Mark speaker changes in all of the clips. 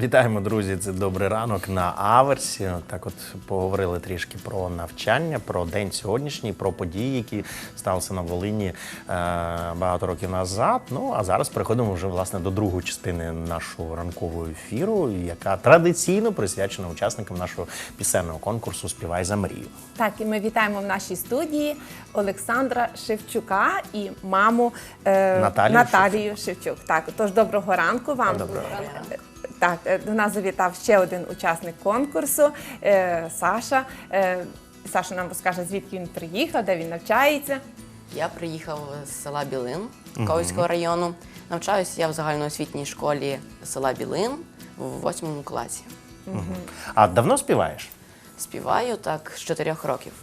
Speaker 1: Вітаємо, друзі! Це «Добрий ранок» на Аверсі. Так от поговорили трішки про навчання, про день сьогоднішній, про події, які сталися на Волині багато років назад. Ну, а зараз переходимо вже, власне, до другої частини нашого ранкового ефіру, яка традиційно присвячена учасникам нашого пісенного конкурсу «Співай за мрію».
Speaker 2: Так, і ми вітаємо в нашій студії Олександра Шевчука і маму Наталію Шевчук. Так, тож доброго ранку вам.
Speaker 1: Доброго ранку.
Speaker 2: Так, до нас завітав ще один учасник конкурсу Саша. Саша нам розкаже, звідки він приїхав, де він навчається.
Speaker 3: Я приїхав з села Білин Ковальського району. Навчаюся я в загальноосвітній школі села Білин в 8 класі.
Speaker 1: А давно співаєш?
Speaker 3: Співаю так з 4 років.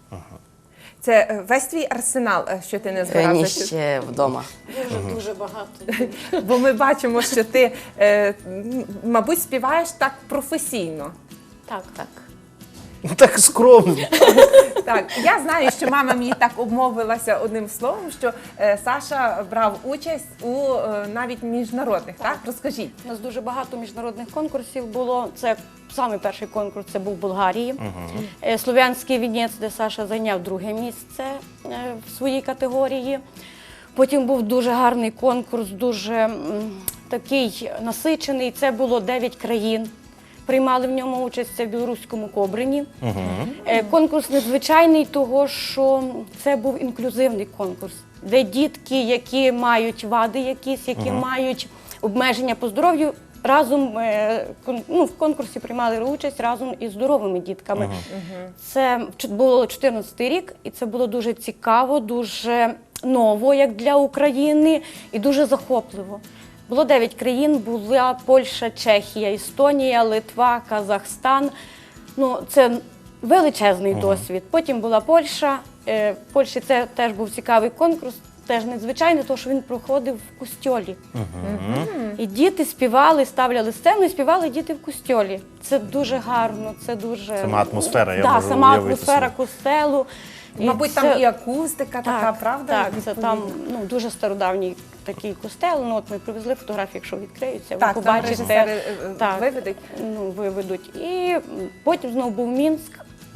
Speaker 2: Це весь твій арсенал, що ти не збирався?
Speaker 3: Ні, ще вдома.
Speaker 4: Дуже багато.
Speaker 2: Бо ми бачимо, що ти, мабуть, співаєш так професійно.
Speaker 4: Так.
Speaker 1: Так скромно.
Speaker 2: Так, я знаю, що мама мені так обмовилася одним словом, що Саша брав участь у навіть міжнародних, так? Розкажіть.
Speaker 4: У нас дуже багато міжнародних конкурсів було. Це самий перший конкурс, це був в Болгарії. Слов'янський вінець, де Саша зайняв друге місце в своїй категорії. Потім був дуже гарний конкурс, дуже такий насичений. Це було 9 країн. Приймали в ньому участь, це в білоруському Кобрині. Конкурс незвичайний, того що це був інклюзивний конкурс, де дітки, які мають вади якісь, які мають обмеження по здоров'ю, разом в конкурсі приймали участь разом із здоровими дітками. Це було 14-й рік, і це було дуже цікаво, дуже ново, як для України, і дуже захопливо. Було 9 країн, була Польща, Чехія, Естонія, Литва, Казахстан. Ну, це величезний досвід. Потім була Польща. В Польщі це теж був цікавий конкурс, теж незвичайний, тому що він проходив в костьолі. І діти співали, ставляли сцену і співали діти в костьолі. Це дуже гарно, це дуже...
Speaker 1: Сама атмосфера, я
Speaker 4: можу
Speaker 1: можу
Speaker 4: сама
Speaker 1: уявити
Speaker 4: атмосфера
Speaker 1: собі.
Speaker 4: костелу.
Speaker 2: Мабуть, там і акустика така, правда?
Speaker 4: Так, це там дуже стародавній такий костел. Ну, от ми привезли фотографії, якщо відкриються, ви
Speaker 2: Так, там
Speaker 4: побачите.
Speaker 2: режисери виведуть.
Speaker 4: Виведуть. І потім знову був Мінськ.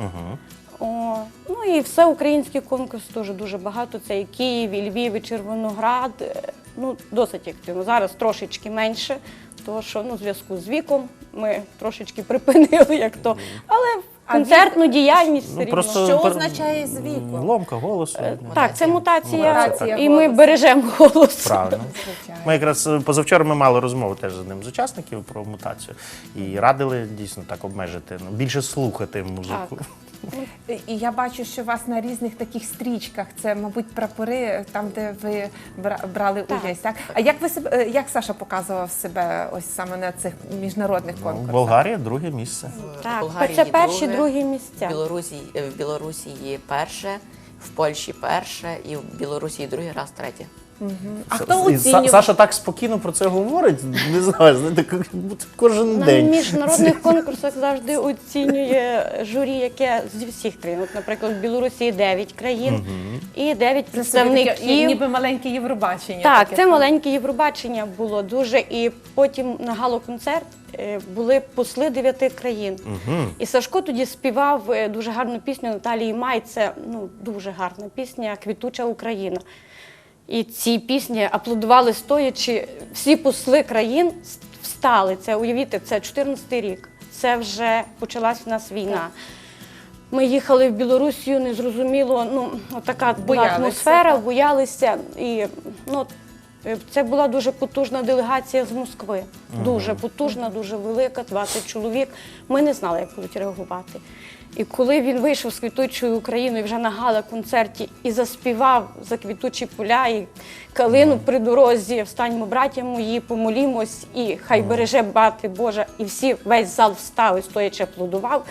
Speaker 4: Ну і всеукраїнський конкурс теж дуже багато. Це і Київ, і Львів, і Червоноград. Ну, досить активно. Зараз трошечки менше, тому що в зв'язку з віком ми трошечки припинили, як то. Але концертну діяльність все рівно.
Speaker 2: Що означає з віку?
Speaker 1: Ломка голосу.
Speaker 4: Так, це мутація,
Speaker 2: Мутація
Speaker 4: і ми
Speaker 2: голосу.
Speaker 4: бережемо голос.
Speaker 1: Правильно. Ми якраз позавчора ми мали розмову теж з одним з учасників про мутацію. І радили дійсно так обмежити, більше слухати музику.
Speaker 2: І я бачу, що у вас на різних таких стрічках, це, мабуть, прапори, там, де ви брали участь. Так? А як Саша показував себе ось саме на цих міжнародних конкурсах?
Speaker 1: Болгарія друге місце.
Speaker 4: Так,
Speaker 3: Болгарії
Speaker 4: це перші,
Speaker 3: друге,
Speaker 4: другі місця.
Speaker 3: В Білорусі перше, в Польщі перше і в Білорусі другий раз третє.
Speaker 2: А хто
Speaker 1: І
Speaker 2: оцінював?
Speaker 1: Саша так спокійно про це говорить, не знаю, знаєте, як будто кожен
Speaker 4: На
Speaker 1: день.
Speaker 4: міжнародних конкурсах завжди оцінює журі, яке зі всіх країн. От, наприклад, в Білорусі 9 країн і 9 представників.
Speaker 2: Ніби маленьке Євробачення.
Speaker 4: Так,
Speaker 2: таке.
Speaker 4: це маленьке Євробачення було дуже. І потім на гало-концерт були посли 9 країн. І Сашко тоді співав дуже гарну пісню Наталії Май. Це дуже гарна пісня «Квітуча Україна». І ці пісні аплодували стоячи. Всі посли країн встали. Це, уявіть, це 14-й рік. Це вже почалась в нас війна. Ми їхали в Білорусію, незрозуміло, така була атмосфера, боялися. І це була дуже потужна делегація з Москви. Дуже потужна, дуже велика, 20 чоловік. Ми не знали, як будуть реагувати. І коли він вийшов з «Квітучою Україною» вже на гала-концерті і заспівав «За квітучі поля» і «Калину при дорозі», «Встаньмо, браття мої, помолімось» і «Хай береже мати Божа», і весь зал встав і стоячи аплодував.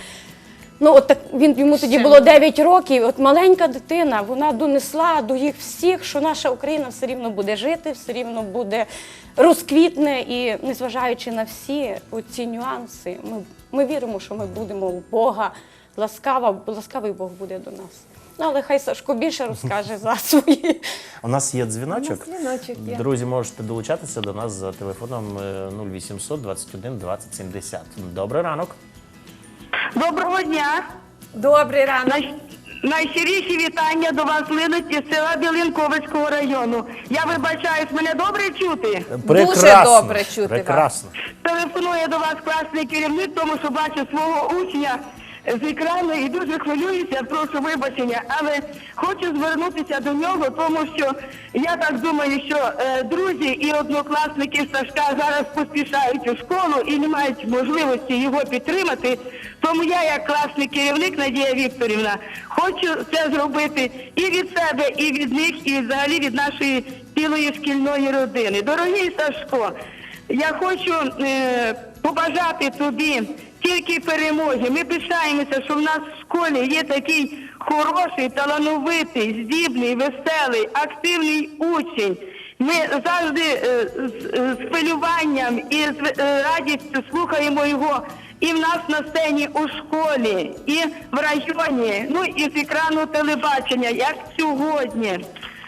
Speaker 4: Йому тоді було 9 років, от маленька дитина, вона донесла до їх всіх, що наша Україна все рівно буде жити, все рівно буде розквітне, і незважаючи на всі оці нюанси, ми віримо, що ми будемо у Бога, ласкавий Бог буде до нас. Ну, але хай Сашко більше розкаже за свої.
Speaker 1: У нас є дзвіночок.
Speaker 2: Дзвіночок є.
Speaker 1: Друзі, можете долучатися до нас за телефоном 0800 21 20 70. Добрий ранок.
Speaker 5: Доброго дня!
Speaker 2: Добрий ранок.
Speaker 5: Найщиріші вітання до вас линуть із села Білинковицького району. Я вибачаюсь, мене добре чути?
Speaker 2: Дуже добре чути вас.
Speaker 1: Прекрасно.
Speaker 5: Телефонує до вас класний керівник, тому що бачу свого учня з екрану і дуже хвилююся, прошу вибачення, але хочу звернутися до нього, тому що я так думаю, що друзі і однокласники Сашка зараз поспішають у школу і не мають можливості його підтримати. Тому я, як класний керівник Надія Вікторівна, хочу це зробити і від себе, і від них, і взагалі від нашої цілої шкільної родини. Дорогий Сашко, я хочу побажати тобі тільки перемоги. Ми пишаємося, що в нас в школі є такий хороший, талановитий, здібний, веселий, активний учень. Ми завжди з хвилюванням і з радістю слухаємо його і в нас на сцені у школі, і в районі, ну і з екрану телебачення, як сьогодні.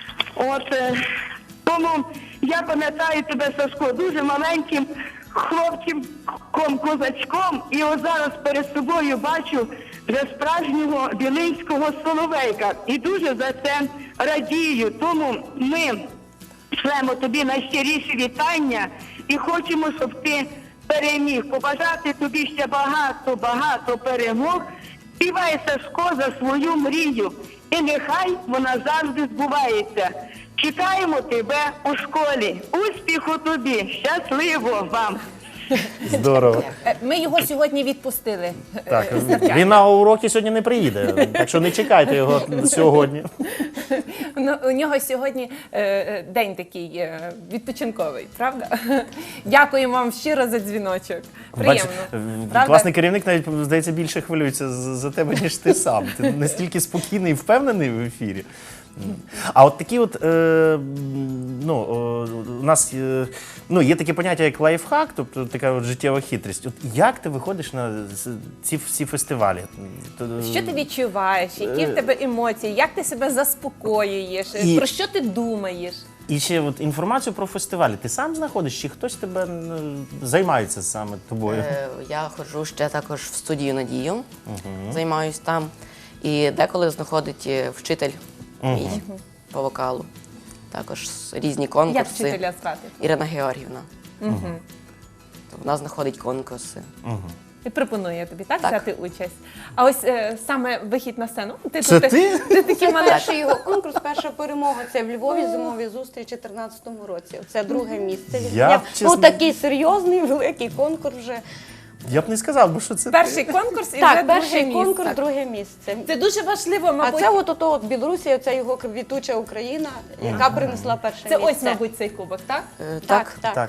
Speaker 5: Тому я пам'ятаю тебе, Сашко, дуже маленьким хлопчиком-козачком, і ось зараз перед собою бачу вже справжнього білинського соловейка. І дуже за це радію. Тому ми шлемо тобі найщиріші вітання і хочемо, щоб ти переміг. Побажати тобі ще багато перемог. Співай, Сашко, за свою мрію. І нехай вона завжди збувається. Чекаємо тебе у школі. Успіху тобі! Щасливо вам!
Speaker 1: Здорово.
Speaker 2: Ми його сьогодні відпустили.
Speaker 1: Так, він на уроки сьогодні не приїде, так що не чекайте його сьогодні.
Speaker 2: У нього сьогодні день такий відпочинковий, правда? Дякуємо вам щиро за дзвіночок. Приємно. Правда?
Speaker 1: Класний керівник навіть, здається, більше хвилюється за тебе, ніж ти сам. Ти настільки спокійний і впевнений в ефірі. А от такі от, у нас є таке поняття, як лайфхак, тобто така от життєва хитрість. От як ти виходиш на ці всі фестивалі?
Speaker 2: Що ти відчуваєш? Які в тебе емоції? Як ти себе заспокоюєш? Про що ти думаєш?
Speaker 1: І ще от інформацію про фестивалі. Ти сам знаходиш, чи хтось тебе займається саме тобою?
Speaker 3: Я ходжу ще також в студію Надію, займаюсь там. І деколи знаходить вчитель мій по вокалу. Також різні конкурси.
Speaker 2: Як вчителя звати?
Speaker 3: Ірина Георгіївна. Вона знаходить конкурси.
Speaker 2: І пропонує тобі так
Speaker 3: Так.
Speaker 2: взяти участь. А ось саме вихід на сцену.
Speaker 1: Це
Speaker 2: тут-
Speaker 1: ти?
Speaker 2: Ти такий малий.
Speaker 4: Перший його конкурс, перша перемога. Це в Львові зимові зустрічі у 2014 році. Це друге місце. Він
Speaker 1: Я,
Speaker 4: зайняв.
Speaker 1: чесно-
Speaker 4: Ну, такий серйозний, великий конкурс вже.
Speaker 1: Я б не сказав, бо що це
Speaker 2: Перший конкурс і вже
Speaker 4: Так,
Speaker 2: друге
Speaker 4: перший
Speaker 2: місце.
Speaker 4: конкурс, друге місце.
Speaker 2: Це дуже важливо,
Speaker 4: А
Speaker 2: мабуть.
Speaker 4: це от Білорусія, це його квітуча Україна, яка принесла перше
Speaker 2: Це
Speaker 4: місце.
Speaker 2: ось, мабуть, цей кубок, так?
Speaker 4: Так.
Speaker 1: Так.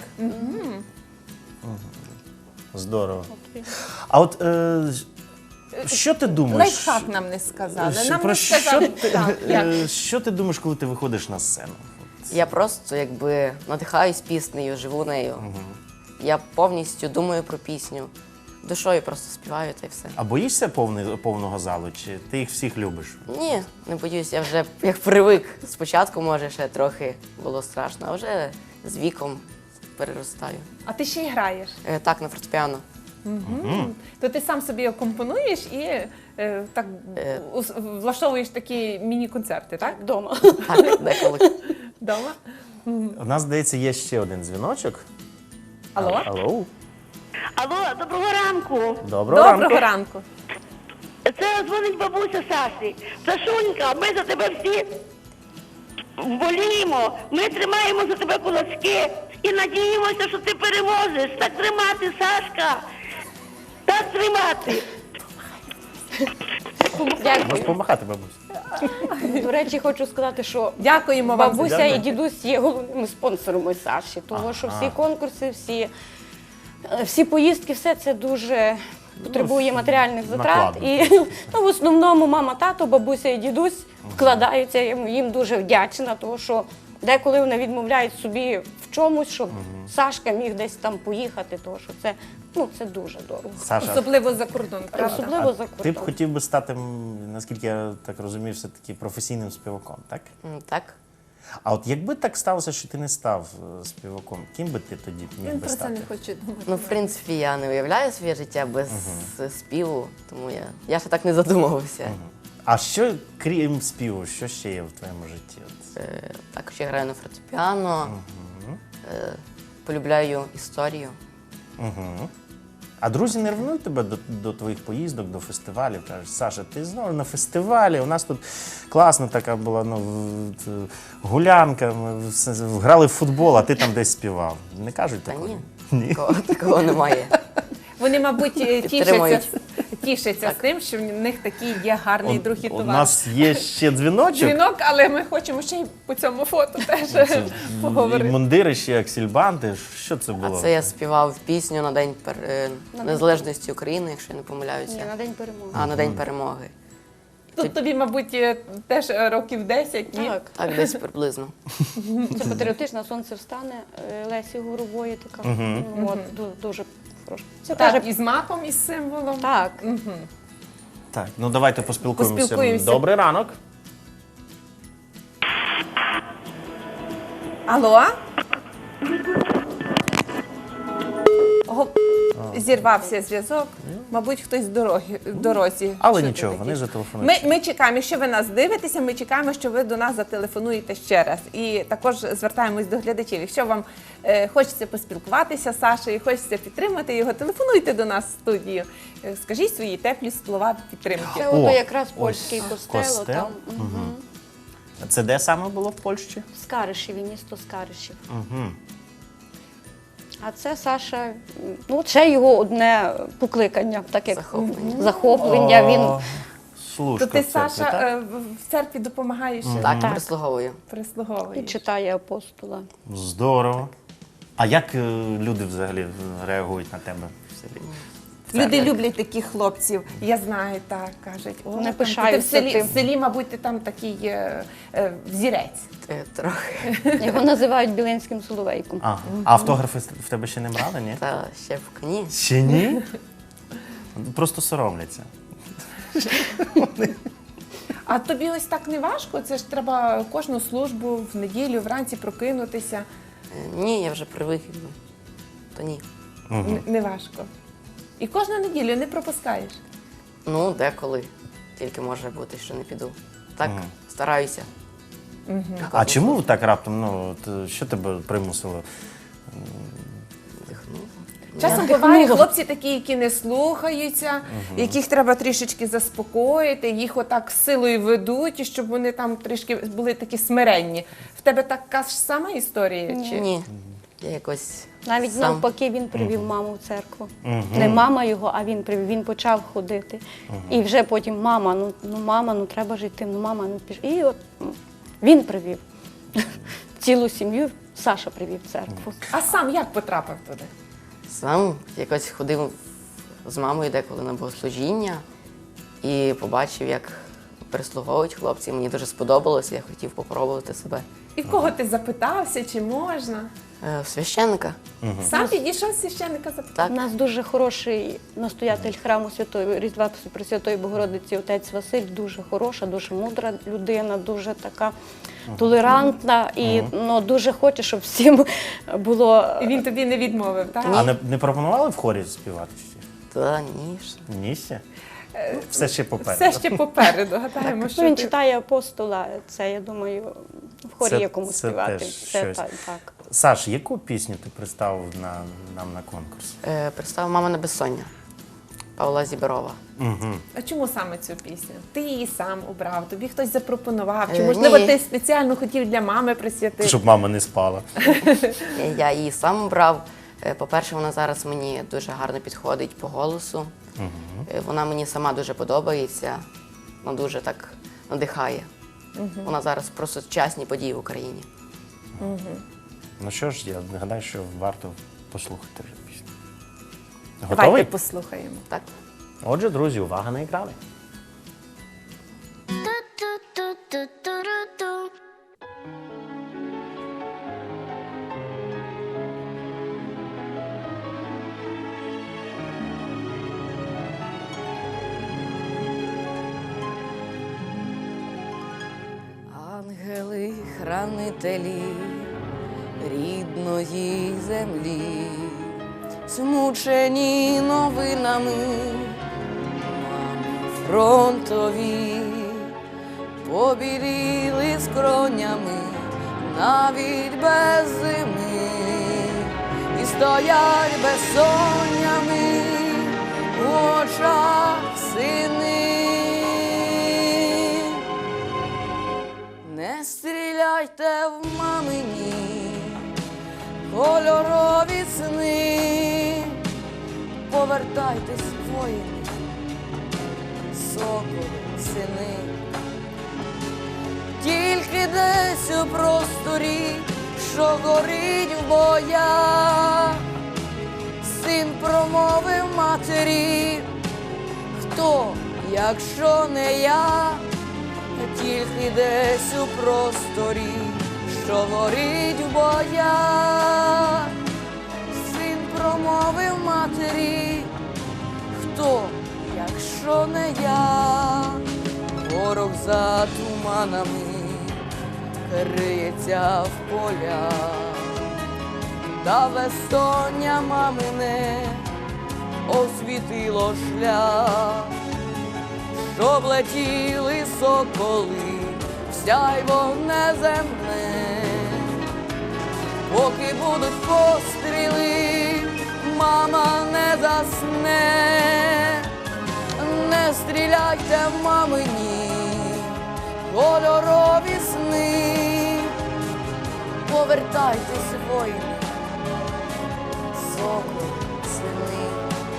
Speaker 1: Здорово. А от що ти думаєш?
Speaker 2: Лайфхак нам не сказали. Нам
Speaker 1: Про
Speaker 2: не
Speaker 1: що
Speaker 2: сказали.
Speaker 1: ти,
Speaker 2: Так, як?
Speaker 1: що ти думаєш, коли ти виходиш на сцену?
Speaker 3: Я просто якби надихаюсь піснею, живу нею. Я повністю думаю про пісню. Душою просто співаю та й все.
Speaker 1: А боїшся повного залу, чи ти їх всіх любиш?
Speaker 3: Ні, не боюсь, я вже як привик. Спочатку, може, ще трохи було страшно, а вже з віком переростаю.
Speaker 2: А ти ще й граєш.
Speaker 3: Так, на фортепіано.
Speaker 2: То ти сам собі компонуєш і так влаштовуєш такі міні-концерти, так?
Speaker 4: Вдома.
Speaker 3: Так, деколи.
Speaker 2: Дома?
Speaker 1: У нас, здається, є ще один дзвіночок.
Speaker 2: Алло?
Speaker 1: Алло.
Speaker 5: Алло, доброго ранку!
Speaker 1: Доброго
Speaker 2: Доброго
Speaker 1: ранку.
Speaker 2: ранку.
Speaker 5: Це дзвонить бабуся Саші. Сашунька, ми за тебе всі боліємо, ми тримаємо за тебе кулачки і надіємося, що ти переможеш. Так тримати, Сашка! Так тримати!
Speaker 4: Дякую.
Speaker 1: Можеш помахати, бабусь.
Speaker 4: До речі, хочу сказати, що
Speaker 2: Дякуємо вам.
Speaker 4: бабуся
Speaker 1: Дякую.
Speaker 4: і дідусь є головними спонсорами Саші, тому що всі конкурси, всі поїздки, все це дуже потребує матеріальних затрат.
Speaker 1: накладно.
Speaker 4: І в основному мама, тато, бабуся і дідусь вкладаються. Я їм дуже вдячна, тому що деколи вони відмовляють собі в чомусь, щоб Сашка міг десь там поїхати, тому що це, ну, це дуже дорого.
Speaker 1: Саша,
Speaker 2: Особливо за кордон, правда?
Speaker 4: Особливо за
Speaker 1: ти б
Speaker 4: кордон.
Speaker 1: хотів би стати, наскільки я так розумію, все-таки професійним співаком, так?
Speaker 3: Так.
Speaker 1: А от якби так сталося, що ти не став співаком, ким би ти тоді міг
Speaker 2: Він
Speaker 1: би
Speaker 2: про це
Speaker 1: стати?
Speaker 2: не хоче думати.
Speaker 3: Ну, в принципі, я не уявляю своє життя без співу, тому я ще так не задумувався.
Speaker 1: А що, крім співу, що ще є в твоєму житті? От,
Speaker 3: Також я граю на фортепіано, полюбляю історію.
Speaker 1: А друзі не ревнують тебе до твоїх поїздок, до фестивалів? Кажуть, Саша, ти знову на фестивалі, у нас тут класна така була гулянка, ми грали в футбол, а ти там десь співав. Не кажуть
Speaker 3: Та
Speaker 1: такого?
Speaker 3: ні, такого немає.
Speaker 2: Вони, мабуть,
Speaker 3: Підтримують.
Speaker 2: тішаться з тим, що в них такий є гарний друг і
Speaker 1: У
Speaker 2: товариш.
Speaker 1: нас є ще дзвіночок.
Speaker 2: Дзвінок, але ми хочемо ще й по цьому фото теж
Speaker 1: І
Speaker 2: поговорити.
Speaker 1: мундири, ще аксельбанти. Що це
Speaker 3: А
Speaker 1: було?
Speaker 3: це я співав пісню на День Незалежності України, якщо я не помиляюся.
Speaker 4: Ні, на День перемоги.
Speaker 3: А на День перемоги.
Speaker 2: Тут тобі, мабуть, теж років 10, ні?
Speaker 4: Так,
Speaker 3: Так, десь приблизно.
Speaker 4: це патріотична «Сонце встане» Лесі Горової така. Ну, от, дуже хороша. Це
Speaker 2: Так,
Speaker 4: теж
Speaker 2: і з маком, і з символом.
Speaker 4: так.
Speaker 1: Так, ну давайте поспілкуємося.
Speaker 2: Поспілкуємося.
Speaker 1: Добрий ранок.
Speaker 2: Алло? Зірвався зв'язок. Мабуть, хтось в дорозі.
Speaker 1: Але
Speaker 2: Що
Speaker 1: нічого,
Speaker 2: ти
Speaker 1: вони
Speaker 2: такий?
Speaker 1: зателефонують.
Speaker 2: Ми чекаємо, якщо ви нас дивитеся, ми чекаємо, що ви до нас зателефонуєте ще раз. І також звертаємось до глядачів. Якщо вам хочеться поспілкуватися з Сашею, хочеться підтримати його, телефонуйте до нас в студію. Скажіть свої теплі слова підтримки.
Speaker 4: Це
Speaker 1: О,
Speaker 4: ото якраз
Speaker 1: ось
Speaker 4: польський костел.
Speaker 1: костел.
Speaker 4: Там,
Speaker 1: Це де саме було в Польщі?
Speaker 4: в Скаришеві, місто Скаришів. А це Саша, ну це його одне покликання, так як захоплення. Він
Speaker 1: Служка
Speaker 2: То ти,
Speaker 1: в церкві,
Speaker 2: Саша,
Speaker 1: так?
Speaker 2: в церкві допомагаєш,
Speaker 3: Так,
Speaker 4: Так.
Speaker 3: прислуговую.
Speaker 4: і
Speaker 2: прислуговуєш.
Speaker 4: читає апостола.
Speaker 1: Здорово. А як люди взагалі реагують на тебе в селі?
Speaker 2: Люди люблять таких хлопців. Я знаю, так кажуть. О,
Speaker 4: Не
Speaker 2: там,
Speaker 4: пишаються
Speaker 2: ти
Speaker 4: тим.
Speaker 2: в селі, мабуть, ти там такий взірець.
Speaker 3: Трохи.
Speaker 4: Його називають Білинським соловейком.
Speaker 1: А автографи в тебе ще не брали, ні?
Speaker 3: Та ще в коні.
Speaker 1: Ще ні? Просто соромляться.
Speaker 2: А тобі ось так не важко? Це ж треба кожну службу в неділю вранці прокинутися.
Speaker 3: Ні, я вже привик. То ні.
Speaker 2: Не важко. І кожну неділю не пропускаєш.
Speaker 3: Ну, деколи. Тільки може бути, що не піду. Так, стараюся.
Speaker 1: А чому так раптом? Ну, що тебе примусило?
Speaker 3: Вдихнув.
Speaker 2: Часом бувають хлопці такі, які не слухаються, яких треба трішечки заспокоїти, їх отак силою ведуть, і щоб вони там трішки були такі смиренні. В тебе така ж сама історія? Чи?
Speaker 3: Ні. Я якось
Speaker 4: Навіть
Speaker 3: сам.
Speaker 4: навпаки він привів маму в церкву. Не мама його, а він привів. Він почав ходити. І вже потім мама, мама, ну треба ж йти, ну мама, ну піш. І от він привів. Цілу сім'ю Саша привів в церкву.
Speaker 2: А сам як потрапив туди?
Speaker 3: Сам якось ходив з мамою деколи на богослужіння і побачив, як прислуговують хлопці. Мені дуже сподобалося, я хотів попробувати себе.
Speaker 2: І в кого ти запитався, чи можна?
Speaker 3: В священника.
Speaker 2: Сам підійшов священника запитав.
Speaker 3: Так.
Speaker 4: У нас дуже хороший настоятель храму Святої Різдва Пресвятої Богородиці, отець Василь, дуже хороша, дуже мудра людина, дуже така толерантна і дуже хоче, щоб всім було.
Speaker 2: І він тобі не відмовив, так?
Speaker 1: А не пропонували в хорі співати ще?
Speaker 3: Та ні. ж.
Speaker 1: Ні ще? Все ще попереду.
Speaker 2: Все ще попереду, гадаємо, що
Speaker 4: Він
Speaker 2: ти...
Speaker 4: читає апостола, це, я думаю, в хорі
Speaker 1: Це-
Speaker 4: є кому
Speaker 1: це
Speaker 4: співати.
Speaker 1: теж
Speaker 4: Це
Speaker 1: щось.
Speaker 4: так.
Speaker 1: Саш, яку пісню ти представив нам на конкурс?
Speaker 3: Представив «Мама на безсоння» Павла Зіброва.
Speaker 2: А чому саме цю пісню? Ти її сам обрав, тобі хтось запропонував, чи
Speaker 3: Ні.
Speaker 2: можливо ти спеціально хотів для мами присвятити?
Speaker 1: Щоб мама не спала.
Speaker 3: Я її сам обрав. По-перше, вона зараз мені дуже гарно підходить по голосу. Вона мені сама дуже подобається, вона дуже так надихає. Вона зараз про сучасні події в Україні.
Speaker 1: Ну що ж, я гадаю, що варто послухати вже пісню.
Speaker 2: Давайте
Speaker 1: Готовий?
Speaker 2: послухаємо.
Speaker 3: Так.
Speaker 1: Отже, друзі, увага на екрани.
Speaker 6: Ту-ту-ту-ту-ту-ру-ту.
Speaker 3: хранителі рідної землі, змучені новинами, мами фронтові, побіліли скронями навіть без зими, і стоять безсоннями в очах сини. Не стріляйте в мамині кольорові сни, повертайтесь, воїни, соколи, сини. Тільки десь у просторі, що горить в боях, син промовив матері: хто, якщо не я? Тільки десь у просторі, що горить в боях, син промовив матері: хто, якщо не я? Ворог за туманами криється в полях, та безсоння мамине освітило шлях, щоб летіли соколи в сяйво неземне. Поки будуть постріли, мама не засне. Не стріляйте в мамині кольорові сни, повертайтесь, воїни, соколи, сини.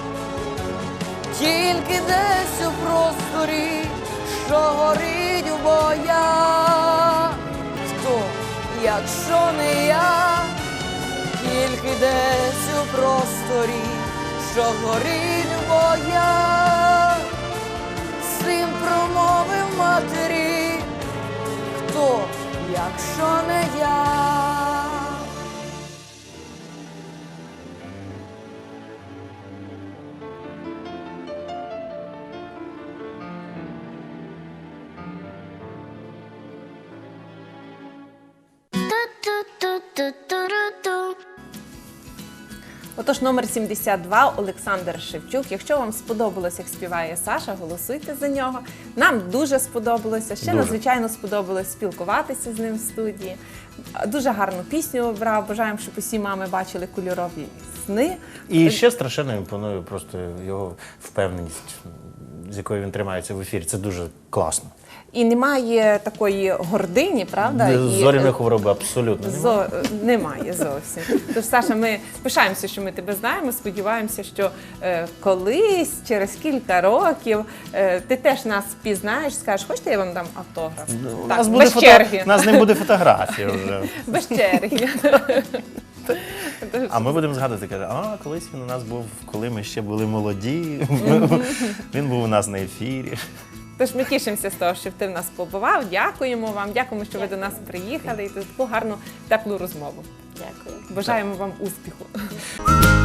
Speaker 3: Тільки десь у просторі, що горить у боях, хто, якщо не я? Тільки десь у просторі, що горить у боях, син промовив матері: хто, якщо не я?
Speaker 2: Отож, номер 72 Олександр Шевчук. Якщо вам сподобалось, як співає Саша, голосуйте за нього. Нам дуже сподобалося. Ще
Speaker 1: Дуже.
Speaker 2: надзвичайно сподобалось спілкуватися з ним в студії. Дуже гарну пісню обрав. Бажаємо, щоб усі мами бачили кольорові сни.
Speaker 1: І ще страшенно імпонує просто його впевненість, з якою він тримається в ефірі. Це дуже класно.
Speaker 2: І немає такої гордині, правда?
Speaker 1: Зоряної хвороби абсолютно немає.
Speaker 2: Немає зовсім. Тож, Саша, ми пишаємося, що ми тебе знаємо. Сподіваємося, що колись, через кілька років, ти теж нас впізнаєш, скажеш, хочете, я вам дам автограф?
Speaker 1: У
Speaker 2: Так,
Speaker 1: нас буде
Speaker 2: без черги.
Speaker 1: У нас не буде фотографії вже.
Speaker 2: Без черги.
Speaker 1: А ми будемо згадувати, каже, колись він у нас був, коли ми ще були молоді. Він був у нас на ефірі.
Speaker 2: Тож ми тішимося з того, що ти в нас побував. Дякуємо вам, дякуємо, що ви до нас приїхали і таку гарну, теплу розмову.
Speaker 4: Дякую.
Speaker 2: Бажаємо вам успіху.